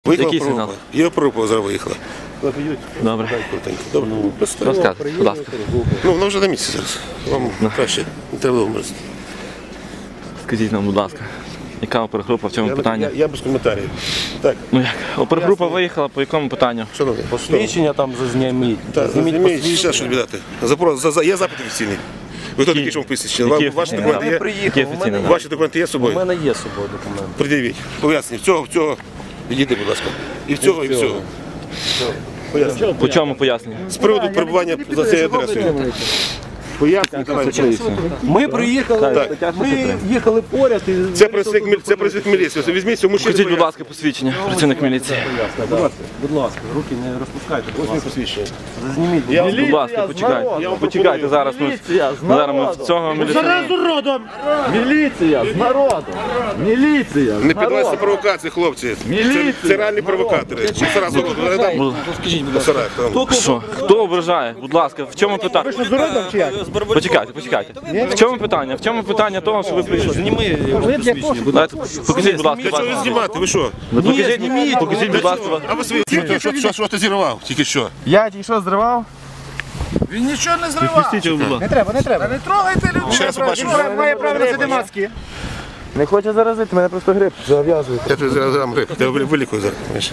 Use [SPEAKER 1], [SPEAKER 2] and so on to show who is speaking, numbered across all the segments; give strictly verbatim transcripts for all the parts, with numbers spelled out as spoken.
[SPEAKER 1] Який сигнал?
[SPEAKER 2] Є опорупа, зараз виїхала.
[SPEAKER 1] Добре.
[SPEAKER 2] Добре.
[SPEAKER 1] Розказуй, будь ласка.
[SPEAKER 2] Ну, вона вже на місці зараз. Вам краще не треба вмерзти.
[SPEAKER 1] Скажіть нам, будь ласка, яка опергрупа, в чому питання?
[SPEAKER 2] Я, я без коментарів. Так.
[SPEAKER 1] Ну як? Опергрупа виїхала, по якому питанню?
[SPEAKER 2] Шановні,
[SPEAKER 3] Посвідчення там зазніміть.
[SPEAKER 2] Так, зніміть, ще що віддати. Запрос, за, за, є запит офіційний. Ви хто такий, що вам писати? Ваші документи є?
[SPEAKER 1] Які офіційні?
[SPEAKER 2] Ваші документи є з
[SPEAKER 3] У
[SPEAKER 2] собою?
[SPEAKER 3] мене є з собою документи.
[SPEAKER 2] Пред'явіть. Поясніть. В цього, в цього. Відійди, будь ласка. І в цього, і в цього. Поясніть.
[SPEAKER 1] По чому пояснення?
[SPEAKER 2] З приводу перебування за цією адресою. Поясніть, давайте.
[SPEAKER 3] Ми приїхали,
[SPEAKER 2] Так.
[SPEAKER 3] ми їхали поряд і...
[SPEAKER 2] Це працівник міль- це працівник міліції. Ось візьміть цього мужчину.
[SPEAKER 1] Скажіть, будь ласка, посвідчення, працівник міліції.
[SPEAKER 3] Будь ласка, будь ласка, руки не розпускайте.
[SPEAKER 2] Ось мій посвідчення.
[SPEAKER 3] Зазніміть.
[SPEAKER 2] Я вам
[SPEAKER 1] Будь ласка, почекайте. Почекайте, зараз ми, зараз ми в цього міліціонера.
[SPEAKER 4] Народом! Міліція з народом! Міліція!
[SPEAKER 2] Не піддавайтеся провокації, хлопці. Це, це реальні провокатори. Сразу
[SPEAKER 3] Скажіть, будь ласка.
[SPEAKER 1] Що? Хто ображає? Будь ласка, в чому питання?
[SPEAKER 4] З народом чи як?
[SPEAKER 1] Почекайте, почекайте. В чому питання? В чому питання того, що ви прийшли?
[SPEAKER 3] Зніми посвідчення.
[SPEAKER 1] Дайте, покажіть, будь ласка,
[SPEAKER 2] Що ви
[SPEAKER 1] вас.
[SPEAKER 2] знімати? Ви що?
[SPEAKER 1] Ви покажіть, покажіть, будь ласка, вас.
[SPEAKER 2] А ви свої що, що, що ти зірвав? Тільки що?
[SPEAKER 4] Я тільки що зривав?
[SPEAKER 5] Він нічого не зривав.
[SPEAKER 4] Не треба, не треба.
[SPEAKER 5] Не трогайте людей.
[SPEAKER 2] Ще раз побачимо.
[SPEAKER 4] Він має право носити маски. Не хоче заразити, мене просто грип зав'язує.
[SPEAKER 2] Я тобі зараз дам гриб. Я вилікую зараз. Знаєш.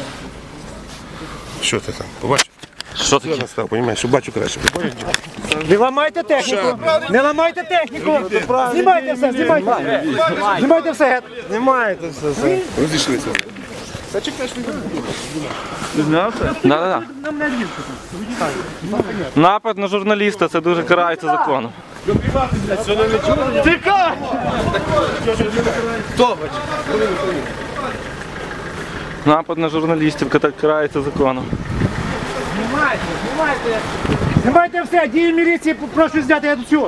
[SPEAKER 2] Що ти там? Побачиш?
[SPEAKER 1] Що таке?
[SPEAKER 2] Я настав, розумієш, що бачу краще.
[SPEAKER 4] Не ламайте техніку! Не ламайте техніку! Знімайте все, знімайте! Знімайте все! Знімайте все!
[SPEAKER 2] Розійшлися.
[SPEAKER 1] Да-да-да. Напад на журналіста, це дуже карається законом.
[SPEAKER 4] Тікай!
[SPEAKER 1] Напад на журналістів ката- карається законом.
[SPEAKER 4] Знімайте, знімайте! Знімайте все! Дії міліції прошу зняти, я тут цю!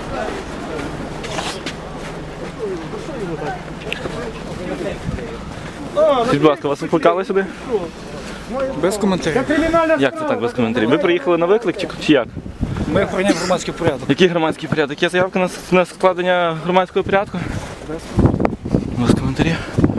[SPEAKER 1] Скажіть, будь ласка, вас викликали сюди?
[SPEAKER 5] Без коментарів.
[SPEAKER 4] Кримінальна
[SPEAKER 1] Як це так без коментарів? Ви приїхали на виклик чи, чи як?
[SPEAKER 5] Ми охороняємо громадський порядок.
[SPEAKER 1] Який громадський порядок? Є заявка на, с- на складення громадського порядку? Без коментарів.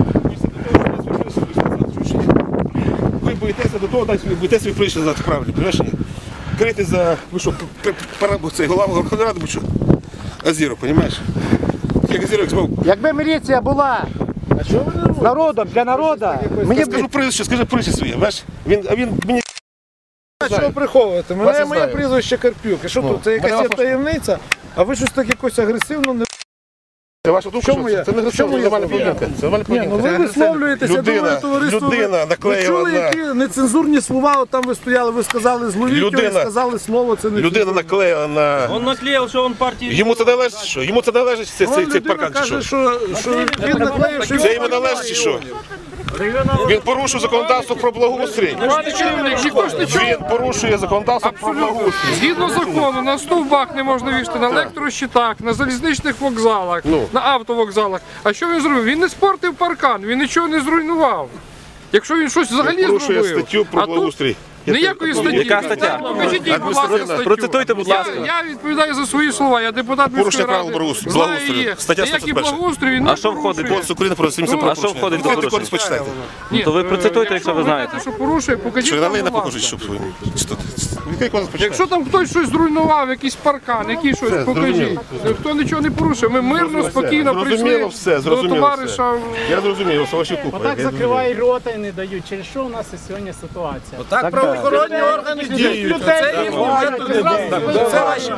[SPEAKER 2] Ви боїтеся до того, так боїтеся ви прийшли за правильно, розумієш? Крити за, ви що, п- пара, цей голова Верховної Ради, ви що? Азіру, розумієш? Як Азіру, як змов.
[SPEAKER 4] Якби міліція була з народом, для народу, мені б...
[SPEAKER 2] Скажу прізвище, скажи прізвище своє, бачиш? Він, а він мені...
[SPEAKER 5] Що приховувати?
[SPEAKER 2] Вас
[SPEAKER 5] Мене
[SPEAKER 2] я
[SPEAKER 5] моє
[SPEAKER 2] знаю.
[SPEAKER 5] прізвище Карпюк. І що тут? Це якась є таємниця? А ви щось так якось агресивно не...
[SPEAKER 2] Це ваша думка,
[SPEAKER 5] Чому
[SPEAKER 2] що
[SPEAKER 5] я-
[SPEAKER 2] це не
[SPEAKER 5] чому я
[SPEAKER 2] нормальна
[SPEAKER 5] сказав?
[SPEAKER 2] поведінка. Це нормальна
[SPEAKER 5] Ні, ну
[SPEAKER 2] поведінка.
[SPEAKER 5] ви висловлюєтеся, я
[SPEAKER 2] Людина,
[SPEAKER 5] думаю, товариство...
[SPEAKER 2] людина
[SPEAKER 5] ви-
[SPEAKER 2] наклеїла
[SPEAKER 5] Ви чули,
[SPEAKER 2] на-
[SPEAKER 5] які нецензурні слова, от там ви стояли, ви сказали зловіть, ви
[SPEAKER 2] Людина-
[SPEAKER 5] сказали слово, це не
[SPEAKER 2] Людина наклеїла на...
[SPEAKER 3] Він наклеїв, що він партії...
[SPEAKER 2] Йому це належить, що? Йому це належить цей, цей, цей
[SPEAKER 5] людина
[SPEAKER 2] паркан, чи
[SPEAKER 5] каже,
[SPEAKER 2] що?
[SPEAKER 5] що, що він наклеїв, що
[SPEAKER 2] Це йому належить, чи що? Він порушив законодавство про благоустрій. Він порушує законодавство про благоустрій.
[SPEAKER 6] Згідно закону, на стовбах не можна вішати, на електрощитах, на залізничних вокзалах,
[SPEAKER 2] Ну.
[SPEAKER 6] на автовокзалах. А що він зробив? Він не спортив паркан, він нічого не зруйнував. Якщо він щось взагалі
[SPEAKER 2] Порушує
[SPEAKER 6] зробив,
[SPEAKER 2] статтю про
[SPEAKER 6] а тут
[SPEAKER 2] благоустрій.
[SPEAKER 6] ніякої статті.
[SPEAKER 1] Яка стаття?
[SPEAKER 6] Покажіть їй, будь ласка, статтю.
[SPEAKER 1] Процитуйте, будь ласка.
[SPEAKER 6] Я, я відповідаю за свої слова, я депутат
[SPEAKER 2] Порушення
[SPEAKER 6] міської
[SPEAKER 2] правил
[SPEAKER 6] ради.
[SPEAKER 2] благоустрою.
[SPEAKER 6] Знаю
[SPEAKER 2] Благоустрою.
[SPEAKER 6] її.
[SPEAKER 2] Стаття
[SPEAKER 6] Ніякий
[SPEAKER 2] сто перша.
[SPEAKER 6] благоустрій він не
[SPEAKER 1] А що входить?
[SPEAKER 6] порушує.
[SPEAKER 2] Кодекс України про адміністративне
[SPEAKER 1] А що
[SPEAKER 2] правопорушення.
[SPEAKER 1] входить до
[SPEAKER 2] Відкрийте
[SPEAKER 1] порушень?
[SPEAKER 2] кодекс, почитайте.
[SPEAKER 6] Ні,
[SPEAKER 1] то ви
[SPEAKER 6] е,
[SPEAKER 1] процитуйте, якщо ви знаєте.
[SPEAKER 6] Що порушує, покажіть
[SPEAKER 2] Що,
[SPEAKER 6] нам,
[SPEAKER 2] налий не
[SPEAKER 6] будь
[SPEAKER 2] покажуть,
[SPEAKER 6] ласка.
[SPEAKER 2] щоб... Відкрий кодекс, почитайте.
[SPEAKER 6] Якщо там хтось щось зруйнував, якийсь паркан, який щось,
[SPEAKER 2] Все,
[SPEAKER 6] покажіть.
[SPEAKER 2] зрозуміло.
[SPEAKER 6] Хто нічого не порушив, ми мирно,
[SPEAKER 2] Все,
[SPEAKER 6] спокійно
[SPEAKER 2] зрозуміло
[SPEAKER 6] прийшли
[SPEAKER 2] все,
[SPEAKER 6] до
[SPEAKER 2] зрозуміло
[SPEAKER 6] товариша.
[SPEAKER 2] Я зрозумів, ваші купи.
[SPEAKER 7] Так закривають рота і не дають. Через що у нас і сьогодні ситуація?
[SPEAKER 5] Так правоохоронні органи діють. Це їх це ваші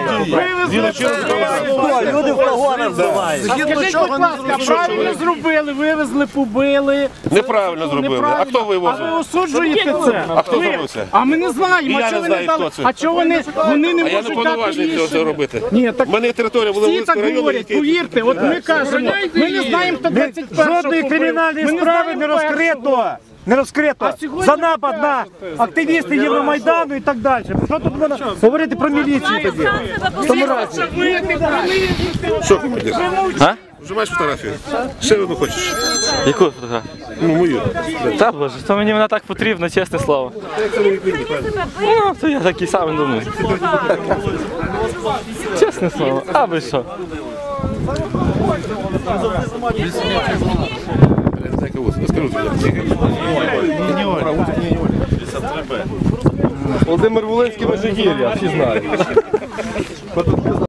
[SPEAKER 4] Люди в погонах здавають.
[SPEAKER 5] Згідно чого не
[SPEAKER 7] А правильно зробили, вивезли, побили.
[SPEAKER 2] Неправильно зробили. А
[SPEAKER 7] Неправильно.
[SPEAKER 2] хто
[SPEAKER 7] А ви
[SPEAKER 2] вивозив?
[SPEAKER 7] осуджуєте це?
[SPEAKER 2] А хто
[SPEAKER 7] Ви-
[SPEAKER 2] зробив це?
[SPEAKER 7] А ми не знаємо,
[SPEAKER 2] І
[SPEAKER 7] а
[SPEAKER 2] я
[SPEAKER 7] чого
[SPEAKER 2] не
[SPEAKER 7] ви
[SPEAKER 2] знаю,
[SPEAKER 7] дали?
[SPEAKER 2] хто це.
[SPEAKER 7] А чого вони, вони не
[SPEAKER 2] А я не
[SPEAKER 7] можуть дати
[SPEAKER 2] повноважений цього це
[SPEAKER 7] рішення?
[SPEAKER 2] робити.
[SPEAKER 7] Ні, так
[SPEAKER 2] У мене територія була
[SPEAKER 7] всі
[SPEAKER 2] Волинського
[SPEAKER 7] так
[SPEAKER 2] району.
[SPEAKER 7] говорять,
[SPEAKER 2] який-
[SPEAKER 7] повірте, от ми кажемо, ми не знаємо, хто двадцять першого
[SPEAKER 4] Жодної
[SPEAKER 7] купив.
[SPEAKER 4] кримінальної
[SPEAKER 7] Ми не
[SPEAKER 4] справи
[SPEAKER 7] знаємо
[SPEAKER 4] не розкрито. Не розкрито
[SPEAKER 7] А сьогодні
[SPEAKER 4] за напад на активістів Євромайдану і так далі. Що тут можна говорити про міліцію тоді? В тому разі.
[SPEAKER 2] Що ти хотів?
[SPEAKER 1] А?
[SPEAKER 2] Вже маєш фотографію? Ще одну хочеш?
[SPEAKER 1] Яку фотографію?
[SPEAKER 2] Ну, мою.
[SPEAKER 1] Та боже, то мені вона так потрібна, чесне слово. Ну, то я такий самий думаю. Чесне слово. А ви що?
[SPEAKER 2] кого? Скажу тобі.
[SPEAKER 3] Володимир Волинський Межигір'я, всі знають.